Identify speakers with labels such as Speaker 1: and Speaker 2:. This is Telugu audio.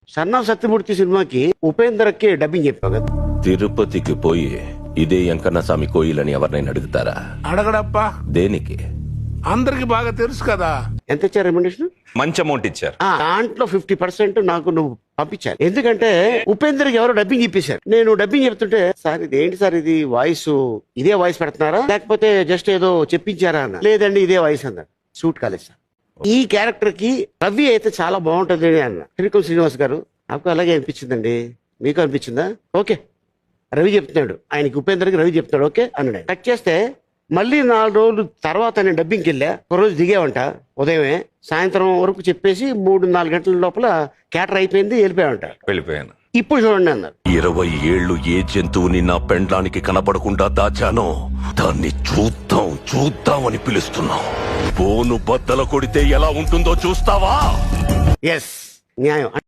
Speaker 1: సన్నా సత్యమూర్తి సినిమాకి ఉపేంద్రకి డబ్బింగ్ చెప్పావు కదా.
Speaker 2: తిరుపతికి పోయి ఇదే వెంకన్నస్వామి కోయిలని ఎవరినైనా అడుగుతారా?
Speaker 3: అడగడప్పా,
Speaker 2: దేనికి?
Speaker 3: అందరికి బాగా తెలుసు కదా.
Speaker 1: ఎంత ఇచ్చారు రెమ్యునరేషన్?
Speaker 4: మంచి అమౌంట్ ఇచ్చారు.
Speaker 1: దాంట్లో 50% నాకు నువ్వు పంపించాను. ఎందుకంటే ఉపేంద్రకి ఎవరో డబ్బింగ్ ఇప్పించారు. నేను డబ్బింగ్ చెప్తుంటే, సార్ ఇది ఏంటి సార్, ఇది వాయిస్ ఇదే వాయిస్ పెడుతున్నారా లేకపోతే జస్ట్ ఏదో చెప్పించారా అన్న. లేదండి ఇదే వాయిస్ అన్నారు. సూట్ కాలేదు సార్. ఈ క్యారెక్టర్ కి రవి అయితే చాలా బాగుంటుంది అన్న. త్రివిక్రమ్ శ్రీనివాస్ గారు నాకు అలాగే అనిపించిందండి. మీకు అనిపించిందా? ఓకే రవి చెప్తున్నాడు, ఆయనకి ఉపేంద్రకి రవి చెప్తున్నాడు ఓకే అన్నాడు. కట్ చేస్తే మళ్ళీ 4 రోజులు తర్వాత నేను డబ్బింగ్కి వెళ్ళా. ఒక రోజు దిగేవంట ఉదయమే, సాయంత్రం వరకు చెప్పేసి 3-4 గంటల లోపల క్యాటర్ అయిపోయింది, వెళ్ళిపోయావంట.
Speaker 4: వెళ్ళిపోయాను.
Speaker 1: ఇప్పుడు చూడండి అన్నారు.
Speaker 2: 20 ఏళ్లు ఏ జంతువుని నా పెండ్లానికి కనబడకుండా దాచానో దాన్ని చూద్దామని పిలుస్తున్నాం. బోను బద్దల కొడితే ఎలా ఉంటుందో చూస్తావా?
Speaker 1: ఎస్ న్యాయం.